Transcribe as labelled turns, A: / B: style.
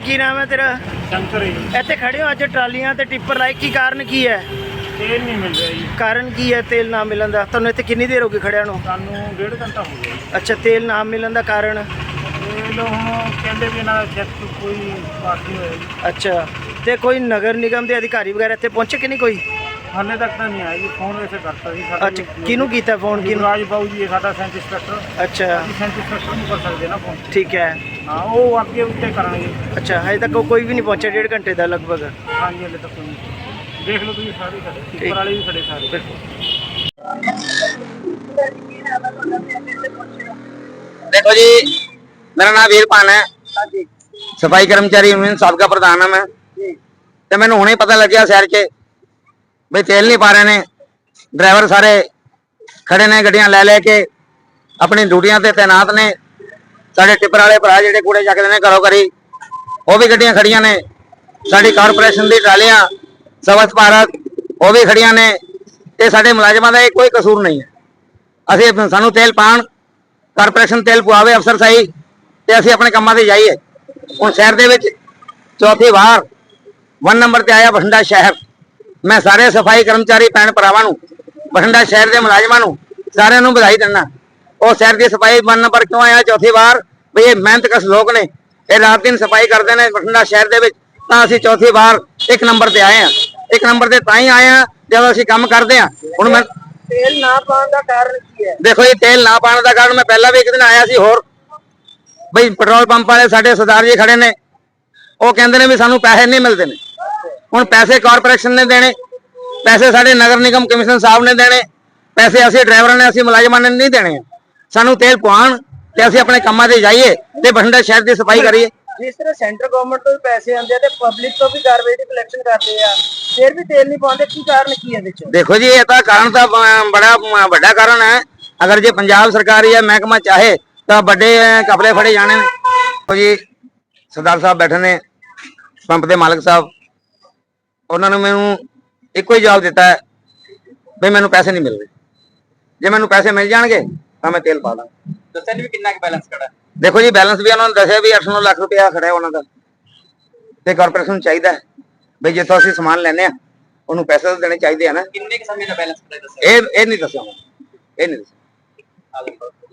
A: ਕੀ ਨਾਮ ਹੈ ਤੇਰਾ?
B: शंकर है जी।
A: ਇੱਥੇ ਖੜੇ ਹੋ ਅੱਜ ਟਰਾਲੀਆਂ ਤੇ ਟਿੱਪਰ ਲਾਏ, ਕੀ ਕਾਰਨ ਕੀ ਹੈ?
B: तेल नहीं मिल रहा जी।
A: ਕਾਰਨ ਕੀ ਹੈ ਤੇਲ ਨਾ ਮਿਲਣ ਦਾ? ਤੁਹਾਨੂੰ ਇੱਥੇ ਕਿੰਨੀ ਦੇਰ ਹੋ ਗਈ ਖੜਿਆਂ ਨੂੰ?
B: सानू 1.5 घंटा हो गया जी।
A: ਅੱਛਾ, ਤੇਲ ਨਾ ਮਿਲਣ ਦਾ ਕਾਰਨ?
B: तेल हम कहते भी ना चेक कोई पास नहीं होया जी।
A: ਅੱਛਾ, ਤੇ ਕੋਈ ਨਗਰ ਨਿਗਮ ਦੇ ਅਧਿਕਾਰੀ ਵਗੈਰਾ ਇੱਥੇ ਪਹੁੰਚੇ ਕਿ ਨਹੀਂ ਕੋਈ?
B: हाले तक तो नहीं आया जी। फोन वैसे करता जी
A: ਅੱਛਾ, ਕਿਹਨੂੰ ਕੀਤਾ ਫੋਨ? ਕਿਹਨੂੰ?
B: राज बाबू जी है साडा सेंट इंस्पेक्टर।
A: ਅੱਛਾ,
B: सेंट इंस्पेक्टर नहीं कर सकते ना फोन।
A: ਠੀਕ ਹੈ।
B: हाँ वो आगे उत्ते करेंगे।
A: ਅੱਛਾ, ਹਜੇ तक कोई भी नहीं पहुंचा 1.5 घंटे ਦਾ ਲਗਭਗ।
B: हाँ जी हाले तक कोई नहीं। देख लो तुम सारे खड़े टिप्पर वाले भी खड़े सारे।
C: देखो जी, मेरा नाम वीरपान है, सफाई कर्मचारी यूनियन साबका प्रधान है मैं। तो मैंने हुणे पता लग गया शहर के भाई तेल नहीं पा रहे ने, ड्राइवर सारे खड़े ने गड्डियां ले लेके अपनी ड्यूटियां ते तैनात ने। साडे टिप्पर वाले भरा जिहड़े कूड़े चकदे ने घरों घरी, वो भी गड्डियां खड़ियां ने। साडी कारपोरेशन दी ट्रालियां स्वच्छ भारत वो भी खड़ियां ने। ते साडे मुलाजमां दा कोई कसूर नहीं है। असीं सानू तेल पाण, कारपोरेशन तेल पवावे अफसर सही, ते असीं अपने कामां ते जाइए। हुण शहर दे विच चौथी वार 1 नंबर ते आया बठिंडा शहर। मैं सारे सफाई कर्मचारी भैन भरावां नूं, बठिंडा शहर के मुलाजमां नूं सारिआं नूं बधाई दिंदा। और शहर की सफाई 1 नंबर क्यों आया चौथी बार? भाई ये मेहनतकश लोग ने, ये रात दिन सफाई करते हैं बठिंडा शहर के। असीं चौथी बार 1 नंबर ते आए हैं। 1 नंबर ते तां ही आए हैं जब असीं काम करते हैं। हुण मैं
A: ਤੇਲ ਨਾ ਪਾਉਣ ਦਾ ਕਾਰਨ ਕੀ ਹੈ?
C: देखो ये तेल ना पाने का कारण मैं पहला भी एक दिन आया सी होर भाई पेट्रोल पंप वाले साडे सरदार जी खड़े ने, वो कहते ने भी सानू पैसे नहीं मिलते ने। हुण पैसे कारपोरेशन ने देने, पैसे साडे नगर निगम कमिश्नर साहब ने देने, पैसे असीं ड्राइवरां ने असीं मुलाजमां ने नहीं देने। सानू तेल पवाण ते असीं अपने कामां ते जाइए ते बठिंडा शहर की सफाई करिए।
A: ਜਿਸ ਤਰ੍ਹਾਂ ਸੈਂਟਰ ਗਵਰਨਮੈਂਟ ਤੋਂ ਵੀ ਪੈਸੇ ਆਉਂਦੇ ਆ ਤੇ ਪਬਲਿਕ ਤੋਂ ਵੀ ਕਾਰਵਾਈ ਦੀ ਕਲੈਕਸ਼ਨ ਕਰਦੇ ਆ, ਫਿਰ ਵੀ ਤੇਲ ਨਹੀਂ ਪਾਉਂਦੇ, ਕੀ ਕਾਰਨ ਕੀ ਹੈ ਇਹਦੇ ਚ?
C: देखो जी ये तो कारण तो बड़ा बड़ा कारण है। अगर जो पंजाब सरकार या महकमा चाहे तो बड़े कपड़े फड़े जाने ने। तो जी सरदार साहब बैठे ने, पंप के मालिक साहब, उन्होंने मैनू एको ही जवाब दिता है भी मैनू पैसे नहीं मिल रहे। जे मैनू पैसे मिल जाएंगे तो मैं तेल पा दा।
D: दस्या भी कितना बैलेंस खड़ा है?
C: देखो जी बैलेंस भी उन्होंने दसिया भी 8-9 लाख रुपया खड़ा है उन्होंने। तो कारपोरेशन चाहिए भी जितों असीं समान लैने उन्होंने पैसे तो देने चाहिए है ना।
D: कितने के समय का बैलेंस खड़ा है दस्या?
C: ये नहीं दसिया, ये नहीं दसिया।